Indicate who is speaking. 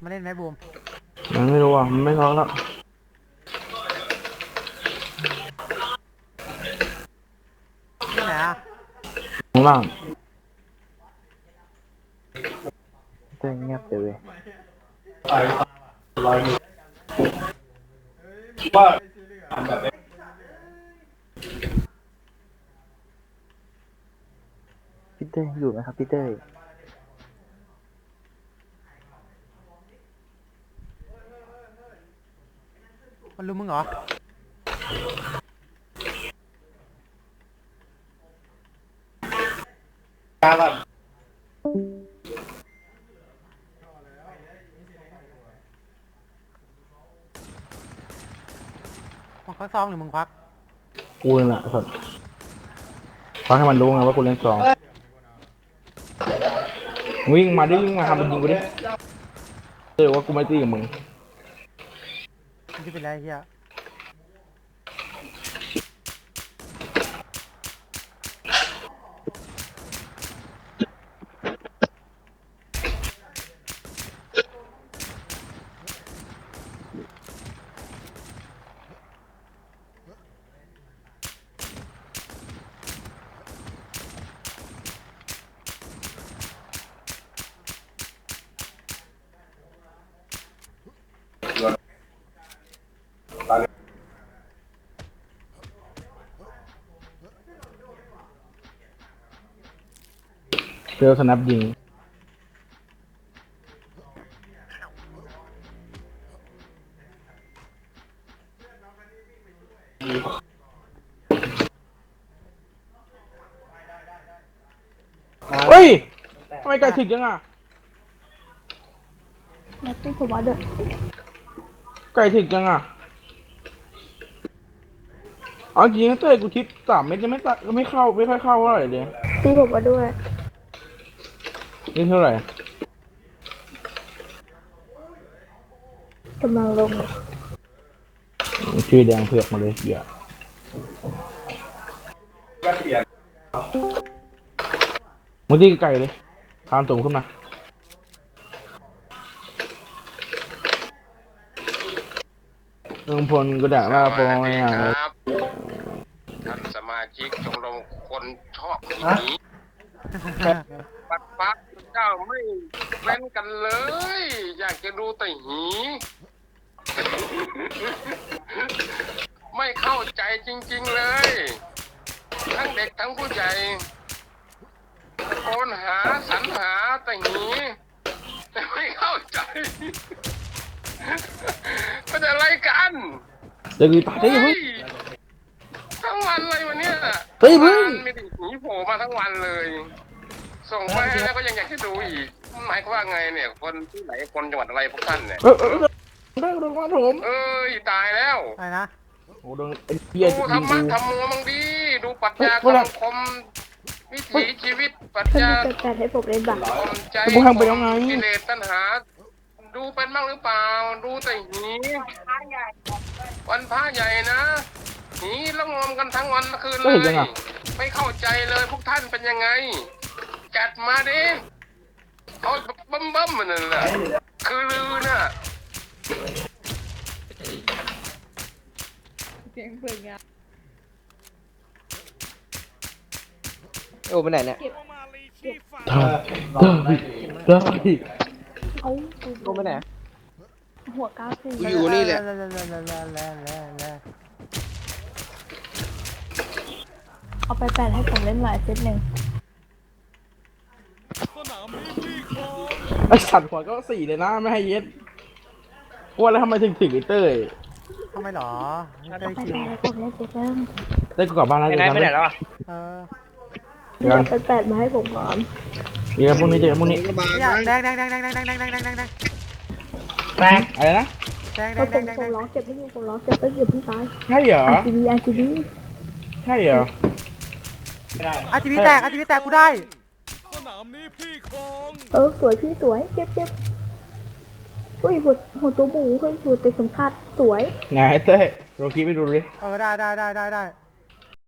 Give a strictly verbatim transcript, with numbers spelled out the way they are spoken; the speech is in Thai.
Speaker 1: มาเล่นไหมบูม
Speaker 2: มันไม่รู้อ่ะมันไม่ท้องแล้ว
Speaker 1: ที่ไหนอ่ะ
Speaker 2: ข้างล่าง
Speaker 3: เต้นเงียบไปเลยพี่เต้อยู่ไหมครับพี่เต้
Speaker 1: มันรู้มึงเหรอมึงควักซองหรือมึงควัก
Speaker 2: กูนั่นแหละสัตว์ฟังให้มันรู้ไงว่ากูเล่นสองวิ่งมาดิวิ่งมาทำมันยิงกูดิเออว่ากูไม่ตีกับมึง
Speaker 1: มึงจะเป็นไรเฮีย
Speaker 2: เจอสนับยิงเฮ้ยทำไมไก่ถึกยังอ่ะ
Speaker 4: แล้วตู้ผมว่าเด้อ
Speaker 2: ไก่ถึกยังอ่ะเอาจริงนะเต้ยกูทิปสามเม็ดยังไม่ตัดไม่เข้าไม่ค่อยเข้าเท่าไหร่เลย
Speaker 4: ตีผมมาด้วย
Speaker 2: นี่เท่าไหร่
Speaker 4: กำลังลง
Speaker 2: ชื่อแดงเผือกมาเลยเดี๋ยวมึงตีไก่เลยทานตุ่มขึ้นมาลุงพลก็ด่าว่าโปรไงอ่ะ
Speaker 5: ท่านสมาชิกชมรมคนชอบหนีปัดปักเจ้าไม่เว้นกันเลย อยากจะดูแต่หี ไม่เข้าใจจริงๆเลย ทั้งเด็กทั้งผู้ใหญ่ตะโกนหาสรรหาแต่หีแต่ไม่เข้าใจเป็นอะไรกัน
Speaker 2: เดี๋ยวกูตัดได้ยังไง
Speaker 5: ทั้งวันเลยวันเนี้ย
Speaker 2: เฮ้ยมึง
Speaker 5: ไม่ได้หนีโผล่มาทั้งวันเลย ส่งไปแล้วก็ยังอยากจะดูอีกหมายความว่าไงเนี่ย คนที่ไหนคนจังหวัดอะไรพวกท่านเนี่ย
Speaker 2: เออเออได้โดนมาผม
Speaker 5: เอ้ยตายแล้ว
Speaker 1: อะไรนะ
Speaker 2: โอ้โดนไอ้เหี้ย
Speaker 5: ดูธรรมะธรรมโมมังดีดูปรัชญาคำคมวิถีชีวิตปรัช
Speaker 4: เพื่อน
Speaker 5: ญา
Speaker 4: จะจัดให้ผมเล่นบัตร
Speaker 5: คมใจกิเลสตัณหาดูเป็นบ้างหรือเปล่าดูแต่หีวันพระใหญ่นะหีละงมกันทั้งวันคืนเลยไม่เข้าใจเลยพวกท่านเป็นยังไงจัดมาดิเขาบั้มบั้มมันนั่นแหละคือลือน่ะ
Speaker 4: เสียงเปิดงาน
Speaker 3: โอ้ไปไหนเนี่ย
Speaker 2: ได้ได้ได้
Speaker 4: เขา
Speaker 3: โอ้ไปไหน
Speaker 4: หัวก้าวสี่
Speaker 3: อยู่นี่แหละ
Speaker 4: เอาไปแปดให้ผมเล่นหลายเซตหนึ่ง
Speaker 2: ไอ้สัตว์หัวก็สี่เลยนะไม่ให้เย็ดว่าแล้วทำไมถึงถึงไอ้เต้ย
Speaker 1: ทำไมหรอ
Speaker 4: เอาไปแปดให้ผมเล่นเซตหนึ่ง
Speaker 2: เต้ยกูกลับบ้านแล้ว
Speaker 3: ไปไหนไปไหนแล้วอ่ะ
Speaker 1: เออ
Speaker 4: เดี๋ยวไปแปดมาให้ผมก่อน
Speaker 2: เดี๋ยวพรุ่งนี้เจอพรุ่งนี้
Speaker 1: แดงแดงแดงแดงแดงแดงแดงแดงแดงแดงแดง
Speaker 2: แดงอะไรนะ
Speaker 1: แดงแด
Speaker 4: แล้ว
Speaker 1: งแดงแดง
Speaker 4: ผมผมร้องเจ็บให้ดูผมร้องเจ็บก็เจ็บพี่ตาย
Speaker 2: ใช่เหรอ
Speaker 4: อาร์จีบีอาร์จีบี
Speaker 2: ใช่เหรอ
Speaker 1: อาทีวีแตกอาทีวีแตกกูได้
Speaker 4: สนามนี้พี่คงเออสวยพี่สวยเจ็บเจ็บอุ้ยหัวหัวตัวหมูเฮ้ยหัวเตะสมคัดสวย
Speaker 2: ไงเต้ยโรกี้ไปดูดิ
Speaker 1: เออได้ได้ได้ได้ได้